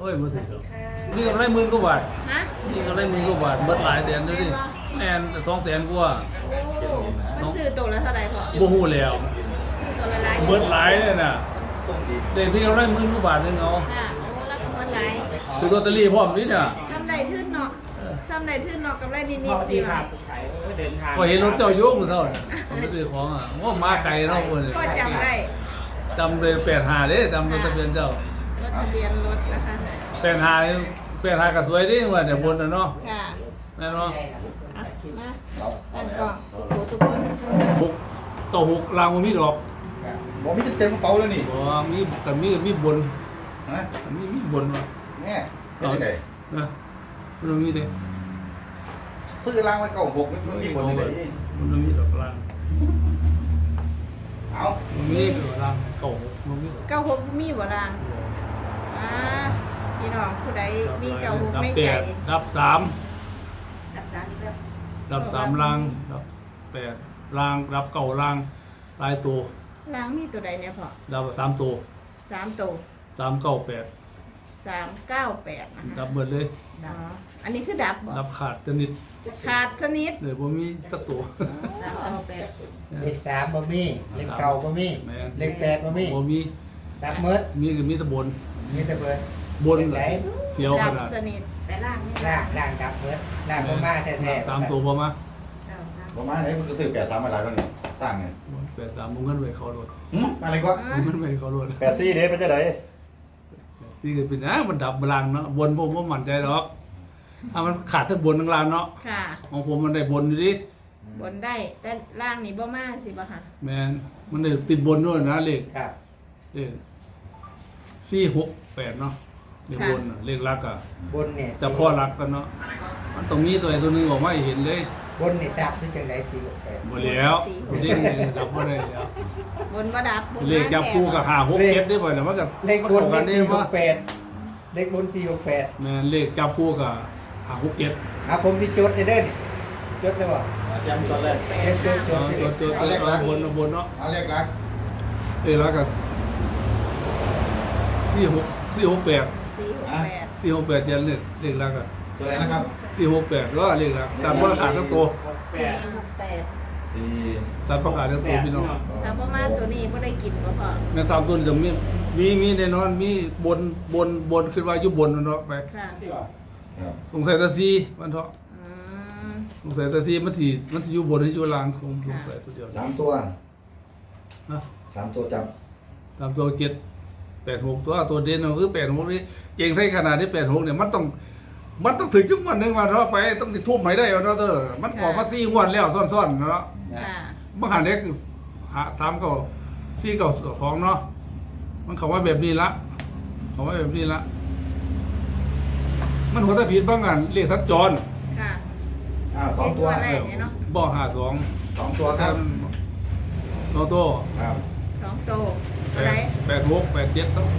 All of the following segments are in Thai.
อ้ยบ่ถึงนี่ก็ได้10,000 กว่าบาทฮะนี่ก็ได้10,000 กว่าบาทเบิดหลายแสนด้วยดิแม่น200,000 กว่าโอ้มันซื้อตัวละเท่าไหร่พ่อบ่ฮู้แล้วตัวละหลายเบิดหลายเลยน่ะเด็กพี่ก็ได้10,000 กว่าบาทนึงเอาค่ะโอ้แล้วก็เงินหลายคือลอตเตอรี่พร้อมนี่น่ะทำได้ทึ่นเนาะทำได้ทึ่นเนาะกำไรนิดพ่อๆสิที่ว่ะพาขายเดินทางก็เห็นรถเจ้าโยกมื้อเท่าน่ะผมไปซื้อของอ่ะว่ามาไกลเนาะเพิ่นก็จำได้จำเลย85เด้จำรถทะเบียนเจ้ารถทะเบียนรถนะคะ 85ก็สวยดิว่าเนี่ยบนน่ะเนาะค่ะแม่นเนาะอ่ะมาตั้งกล่องสุขุสุขน 6ต่อ6รางบ่มีดอกบอกมีเต็มกระเป๋าแล้วนี่บ่มีแต่มีบนฮะมีบนว่ะแม่เป็นยังไงนะมันมีเด้ซื้อรางไว้เก่าหกมันมีบนยังไงมันมีดอกรางเอามันมีดอกรางเก่ามันมีดอก 96มีบ่ล่างอ่าพี่น้องผู้ใดมี96ในใจดับ3 ดับสามอีกแล้วดับ3รางดับ8รางดับเก่ารางหลายตัวล่างมีตัวใดเนี่ยพ่อดับ3ตัว 3ตัว 398 398นะคะดับเบิดเลยอ๋ออันนี้คือดับบ่ดับขาดสนิทขาดสนิทเลยบ่มีสักตัวเลข3บ่มีเลขเก่าบ่มีแม่นเลข8บ่มีบ่มีดับเมิดมีก็มีแต่บนมีแต่เบิดบนไหนเสียวขดับนาดสนิทแต่ล่างนี่ล่างดับเมิดล่างบ่มาแท้ๆตามตัวบ่มาประมาณไหนมันก็ซื้อ83มาหลายแล้วนี่สร้างไง 83มึงเงินไว้เขาโลดอะไรก็มึงเงินไว้เขาโลด 84เด้เป็นจังได๋ที่ก็เป็นมันดับบลังเนาะบนผมบ่มั่นใจหรอกถ้ามันขาดทั้งบนทั้งล่างเนาะค่ะของผมมันได้บนอยู่ดิบนได้แต่ล่างนี่บ่มาสิบ่ค่ะแม่นมันได้ติดบนด้วยนะเลขครับเลข468เนาะเลขบนน่ะเลขลักอ่ะบนเนี่ยแต่พ่อรักกันเนาะมันต้องมีตัวใดตัวหนึงออกมาให้เห็นเลยบนนี่ดับที่จังได๋468 บ่แล้วเลขนี่ดับบ่ได้แล้วบนบ่ดับเลขจับคู่กับ5 6 7ได้บ่เนี่ยมันก็เลขบนมันมีเข้ากันได้บ่ 468เลขบน468 แม่นเลขจับคู่กับ5 6 7 ผมสิจดเด้อนี่จดได้บ่ย้ำตอนแรกตัวบนเนาะเอาเลขลักแล้วก็468 468 468เจ็ดเลขลักอ่ะตัวไหนนะครับ 468ก็เลขลักตามประกาศทั้งตัว 468 4 ตามประกาศทั้งตัวพี่น้องถ้าบ่มาตัวนี้บ่ได้กินบ่พอแม่น3ตัวจะมีแน่นอนมีบนขึ้นว่าอยู่บนเนาะไปค่ะครับสงสัยตะซีมันเถาะอืมสงสัยตะซีมันสิอยู่บนหรืออยู่ล่างคงสงสัยตัวเดียว 3ตัวนะ 3ตัวจับตามตัว86ตัวเด่นก็คือ86นี่เก่งใส่ขนาดที่86เนี่ยมันต้องถึงจังหวัดนึงมาเท่าไปต้องสิทุ่มให้ได้เอาเนาะเด้อมันออกมา4งวดแล้วซ้อนๆเนาะค่ะบางหันเด็กถามก็4 9 2เนาะมันเขาว่าแบบนี้ละเขาว่าแบบนี้ละมันหัวตะผิดบางอันเรียกสัญจรค่ะ 2ตัวแรกเนี่ยเนาะบ่52 2ตัวครับโตโต้ครับ 2ตัวอะไร 86 87ต้อง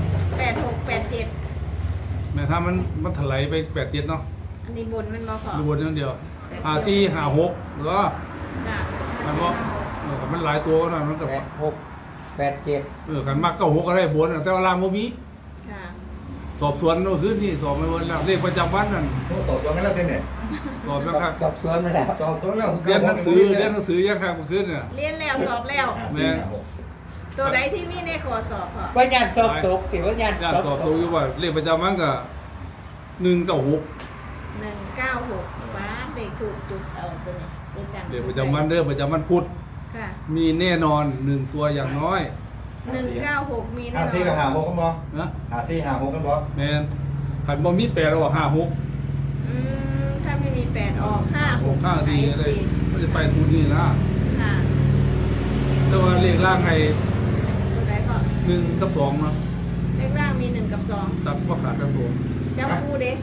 8687 แม้ถ้ามันถลายไป87เนาะอันนี้บนมันบ่พอดูบนอย่างเดียว54 56แล้วค่ะมันบ่มันหลายตัวนะมันก็ 86 87 ขันมาก96ก็ได้บนแต่ว่าล่างบ่มีค่ะสอบสวนเมื่อคืนนี่สอบไม่เวินแล้วเลขประจำวันนั่นสอบสวนกันแล้วเท่เนี่ยสอบแล้วครับสอบสวนมาแล้วสอบสวนแล้วเรียนหนังสือยังครับเมื่อคืนเนี่ยเรียนแล้วสอบแล้วแม่ตัวใดที่มีในข้อสอบพอว่าญาติสอบตกติว่าญาติญาติสอบสอบตตัวกอยู่ว่าเลขประจำวันก็196 196ฟ้าเด็กถูกจุดเอาตัวนี้เป็นการเลขประจำวันเด้อประจำวันพุธค่ะมีแน่นอน1ตัวอย่างน้อย 196มีแน่นอน 54กับ56กันบ่นะ 54 56กันบ่แม่นคันบ่มี8ออก56 ถ้าไม่มี8ออก56 ข้างดีเลยมันจะไปทุนนี่นะค่ะแต่ว่าเลขล่างให้ตัวใดพอ 1กับ2เนาะเลขล่างมี1กับตัดบ่ขาดทั้งตัว 2จับคู่เด้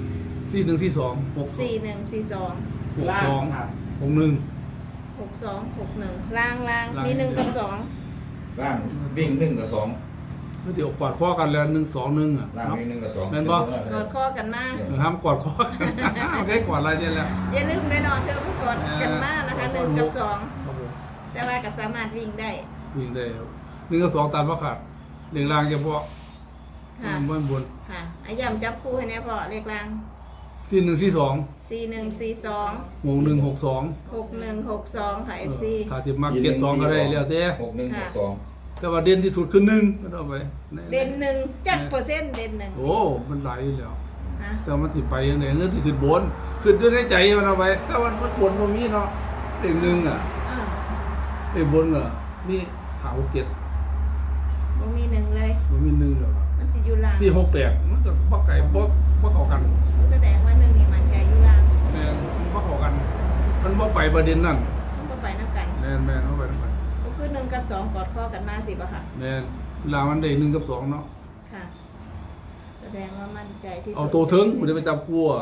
4142 4142 ล่าง 62 ครับ 61 6261ล่างมี1กับ2 ล่างวิ่ง1กับ2 มันสิออกกอดข้อกันแล้ว121อ่ะล่างเนาะวิ่ง1กับ2 แม่นบ่กอดข้อกันมาห้ามกอดข้อกัน โอเคกอดอะไรเนี่ยแหละอย่าลืมแน่นอนเธอผู้กดกันมากนะคะ1กับครับผม 2แต่ว่าก็สามารถวิ่งได้วิ่งได้ครับ1กับ2ตัดบ่ขาดเรื่องล่างเฉพาะค่ะบนบนค่ะอาย่ำจับคู่ให้แน่พอเลขล่าง 4142 4142 6162 6162ค่ะ FC ถ้าสิมักเก็บ2ก็ได้แล้วแต่ 6162 แต่ว่าเด่นที่สุดคือ1ก็เอาไปเด่นหนึ่งจักเปอร์เซ็นต์เด่นหนึ่งโอ้มันหลายอยู่แล้วฮะแต่มันสิไปยังไงเงินที่ขึ้นบนขึ้นด้วยในใจมันเอาไปแต่ว่ามันปวดบ่มีเนาะเลข1อ่ะเออเลขบนอ่ะมี567 บ่มีหนึ่งเลยบ่มี1แล้วมันสิอยู่ล่าง 468มันก็บ่ไกลบ่เข้ากันแสดงว่าหนึ่งนี่มันใจอยู่ล่างแม่นมันบ่เข้ากัน มันบ่ไปประเด็นนั้นมันก็ไปน้ำกันแม่นบ่ไปนำกันก็คือ1กับ2กอดข้อกันมาสิบ่ค่ะแม่นเวลามันได้1กับ2เนาะค่ะ แสดงว่ามั่นใจที่สุดเอาตัวถึงมันจะไปจับคู่อ่ะ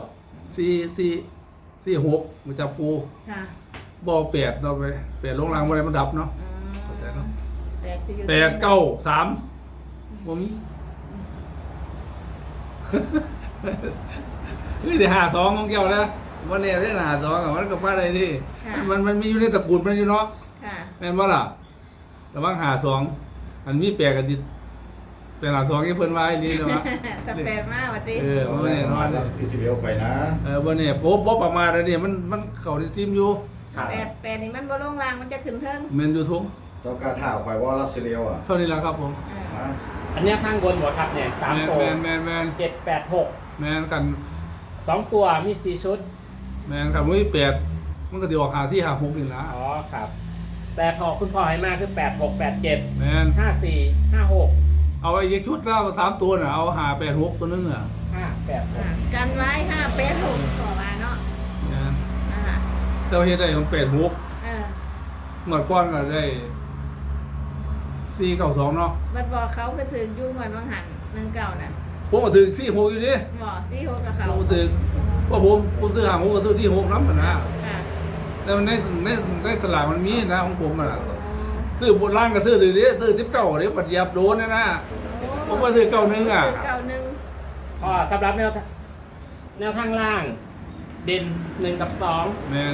46มันจับคู่ค่ะบ่8ต่อไป8ลงล่างบ่ได้มันดับเนาะอืมเข้าใจเนาะแปดสิอยู่ 8 9 3บ่มีเฮ้ยแต่52ของแก้วนะบ่แน่ได้52อ่ะมันก็มาได้ดิมันมีอยู่ในตระกูลมันอยู่เนาะค่ะแม่นบ่ล่ะระวัง52อันมีแปลกกันดิเป็น52ที่เพิ่นว่าอีหลีเนาะแต่แปลมากว่าติบ่แน่นอนอิสราเอลไฟนะบ่แน่บ่ประมาทอันนี้มันเข้าในทีมอยู่แปดนี่มันบ่ลงล่างมันจะขึ้นเทิงแม่นอยู่ทุกต้องการถ่าวไฟว่ารับอิสราเอลอ่ะเท่านี้ล่ะครับผมอ่าอันเนี้ยข้างบนหมดครับเนี่ย3ตัวแม่น 786 แม่นกัน 2ตัวมี4ชุดแม่นกันมี8มันก็สิออกหาที่56นี่ล่ะอ๋อครับ แต่พอคุณพ่อให้มาคือ8687 แม่น 54 56 เอาไอ้อีกชุดละ3ตัวน่ะเอา586ตัวนึงอ่ะ 586 กันไว้586ขอมาเนาะแม่นนะคะแต่ว่าเฮ็ดได้ของ86 เออเมื่อก่อนก็ได้492เนาะบัดบอกเขาคือถึงอยู่เหมือนวังหัน19นั่นผมก็ถึง46อยู่ดิบ่ที่6กับเขาผมก็ถึงว่าผมซื้อ56ก็ซื้อที่6นำนะค่ะแต่มันในสลากมันมีนะของผมน่ะซื้อบนล่างก็ซื้อถือดิซื้อ19เดี๋ยวปัดเหยียบโดนนะผมก็ซื้อ91อ่ะเก่าหนึ่งพอสำหรับแนวทางล่าง เด่น1กับแม่น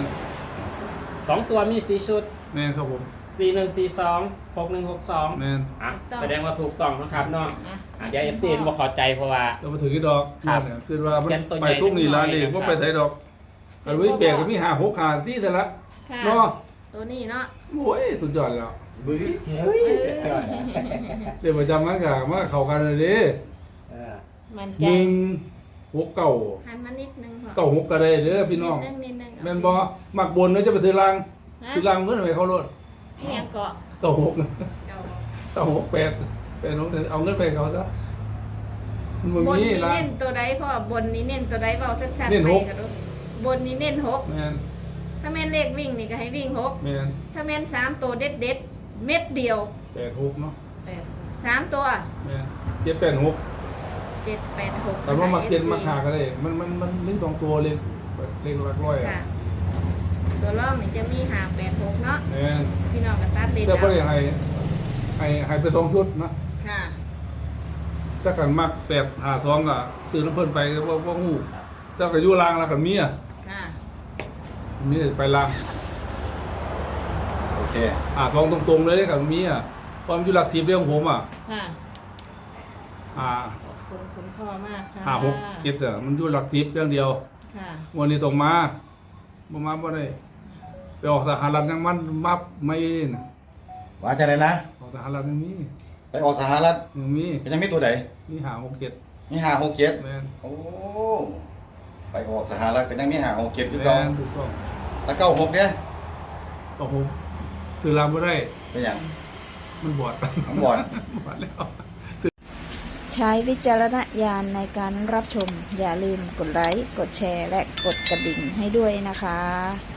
2 2ตัวมี4ชุดแม่นครับผม 4142 6162 แม่นอ่ะแสดงว่าถูกต้องนะครับเนาะอ่ะเดี๋ยว FC บ่เข้าใจเพราะว่าเรามาถือกี่ดอกครับเนี่ยคือว่ามันเขียนตัวใหญ่ไปทุกนี่ร้านนี่นิดหน่อยว่าไปไทยดอกอันนี้แบกก็มี5-6ขาที่แต่ละค่ะเนาะตัวนี้เนาะโอ้ยสุดยอดแล้วบึ้ยเฮ้ยเสียใจเดี๋ยวประจำมันก็มาเข้ากันเลยดิมันใจ 169 หันมานิดนึงพอ 96ก็ได้เด้อพี่น้องนิดนึงแม่นบ่มักบนเด้อจะไปซื้อรางฮะซื้อรางเงินไปเขารถเอียงเกาะ 96 เก่า 96 8เป็นน้องเอาเงินไปให้เขาซะมันบ่บนมีนี้รางเน้นตัวใดพ่อบนนี้เน้นตัวใดเบาชัดๆเน้นไปหกกันดูบนนี้เน้น6 แม่นถ้าแม่นเลขวิ่งนี่ก็ให้วิ่ง6 แม่นถ้าแม่น3ตัวเด็ดๆเม็ดเดียว 86เนาะ 3ตัวแม่น786 786 แต่ว่ามาเก็นมาหาก็ได้มันมี2ตัวเลขหลักร้อยค่ะอ่ะตัวรองนี่จะมี586เนาะแม่นพี่น้องก็ตัดเลนแต่บ่เอาได้ให้ไป2ชุดนะค่ะถ้ากันมัก852ก็ซื้อน้ำเพิ่นไปบ่ฮู้แต่ก็อยู่รางแล้วก็มีอ่ะค่ะมีไปรางโอเค 2ตรงๆเลยก็มีอ่ะความอยู่หลัก10เรื่องผมอ่ะค่ะอ่าขอบคุณคุณพ่อมากค่ะ 5 6 7อ่ะมันอยู่หลัก10เรื่องเดียวค่ะวันนี้ต้องมาบ่ได้ไปออกสหรัฐยังมันมับไม่น่ะว่าจะไหนนะออกสหรัฐยังมีไปออกสหรัฐยังมียังไม่ตัวใดมี5 6 7 มี567 แม่นโอ้ไปออกสหรัฐก็ยังมี567คือแม่เก่านถูกต้องแล้ว96เนี่ยก็ผมซื้อรางบ่ได้เป็นหยังมันบอดผมบอดบอดแล้วใช้วิจารณญาณในการรับชม อย่าลืมกดไลค์ กดแชร์ และกดกระดิ่งให้ด้วยนะคะ